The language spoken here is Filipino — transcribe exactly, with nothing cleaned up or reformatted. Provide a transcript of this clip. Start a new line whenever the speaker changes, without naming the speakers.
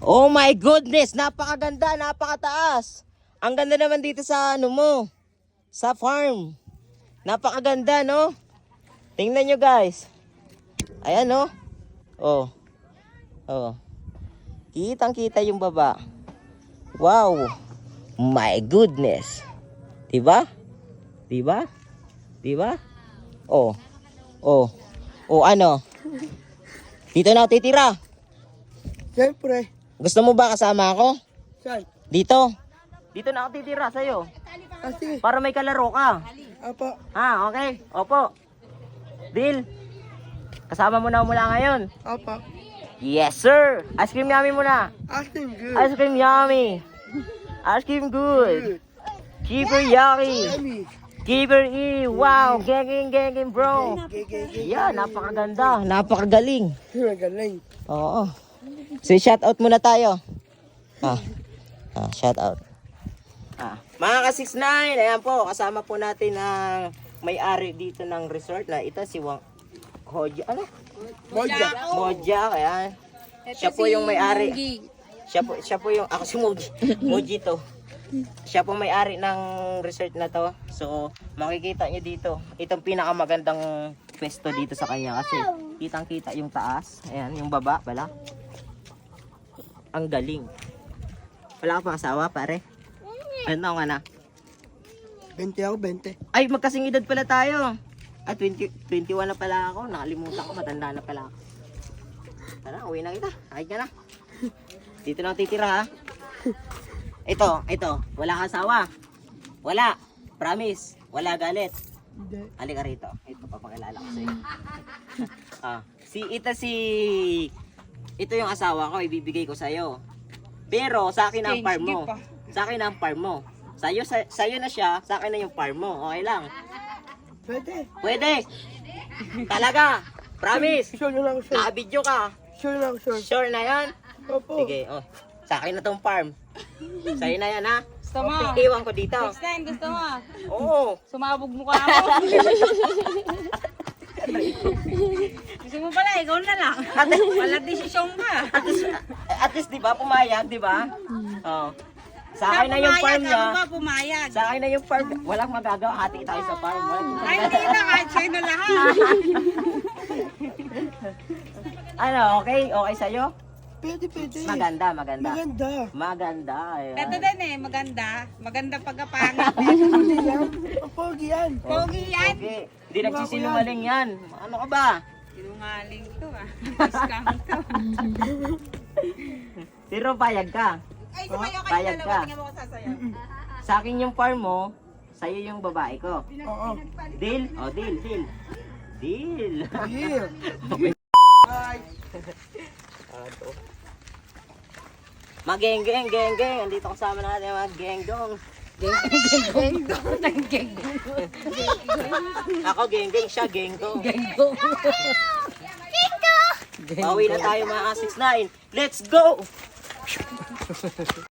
Oh my goodness, napakaganda, napakataas. Ang ganda naman dito sa ano mo, sa farm. Napakaganda, no? Tingnan nyo guys. Ayan, no? Oh. Oh. Kitang-kita yung baba. Wow. My goodness. Diba? Diba? Diba? Oh. Oh. Oh, ano? Dito na ako titira.
Siyempre.
Gusto mo ba kasama ako?
Saan?
Dito. Dito na ako titira sa'yo.
Ah, sige.
Para may kalaro ka.
Apo.
Ha, okay. Opo. Deal. Kasama mo na mula ngayon.
Apo.
Yes, sir. Ice cream yummy muna.
Asking good.
Ice cream yummy. Ice cream good. Keeper yummy.
Yummy.
Keeper E. Wow. Genging, genging, bro. Yeah, napakaganda. Napakagaling.
Magaling.
Oo. So, shout out muna tayo. Ah. Ah, shout out. Ah. Mga ka six nine, ayan po, kasama po natin ang may-ari dito ng resort na ito si Wang Hoja, ano?
Moja.
Moja, ayan. Siya po yung may-ari. Siya po, siya po yung, ako si Moji. Moji to. Siya po may-ari ng resort na to. So, makikita nyo dito. Itong pinakamagandang pwesto dito sa kanya kasi kitang-kita yung taas. Ayan, yung baba, pala. Ang galing. Wala ka pang asawa, pare? Ano nga na?
twenty ako, twenty.
Ay, magkasing edad pala tayo. Ah, twenty, twenty-one na pala ako. Nakalimutan ko, matanda na pala ako. Tara, uwi na kita. Akit ka na. Dito na ako titira, ha? Ito, ito. Wala ka asawa. Wala. Promise. Wala galit.
Hindi.
Halika rito. Ito, papakilala ko sa'yo. ah, si, ito si... Ito yung asawa ko, ibibigay ko sa'yo. Pero, sa akin ang farm mo. Sa akin ang farm mo. Sa'yo, sa, sa'yo na siya, sa akin na yung farm mo. Okay lang.
Pwede.
Pwede. Talaga. Promise.
Sure na lang, sure.
Nakabidyo ka.
Sure lang, sure.
Sure na yan?
Opo.
Sige, oh. Sa akin na tong farm. Sa'yo na yan, ha?
Gusto mo?
Iwan ko dito.
Next time, gusto mo?
Oo.
Sumabog mo ka ako. Gusto mo pala, ikaw na lang. Wala desisyon ka.
At least, at least, di ba, pumayag, di ba? Oh. Sa akin na yung farm niya.
Ako ba pumayag?
Sa akin na yung farm. Walang magagawa. Hati tayo sa farm.
Ay, hindi na, kahit sa'yo na lahat.
Ano, okay? Okay sa'yo?
Pwede, pwede.
Maganda, maganda.
Maganda.
Maganda. Ayan.
Ito din eh, maganda. Maganda pagkapangit.
Hindi yan. Ang pogi yan.
Pogi yan.
Okay. Hindi nagsisinungaling yan. Ano ka ba?
Sinungaling to ah. Scam to.
Pero payag ka.
Ay, sumayo kayo
Payag
dalawa.
ka.
Tingnan mo ko sasayaw.
Sa akin yung farm mo, sa'yo yung babae ko.
Oo.
Deal? Oh, deal, deal. Deal.
Yeah.
Mga geng, geng, geng, geng. Andito kasama natin mga genggong. Geng, geng, geng, geng. Ako geng, geng. Siya genggong. Genggong. Genggong. Bawi na tayo mga six nine. Let's go!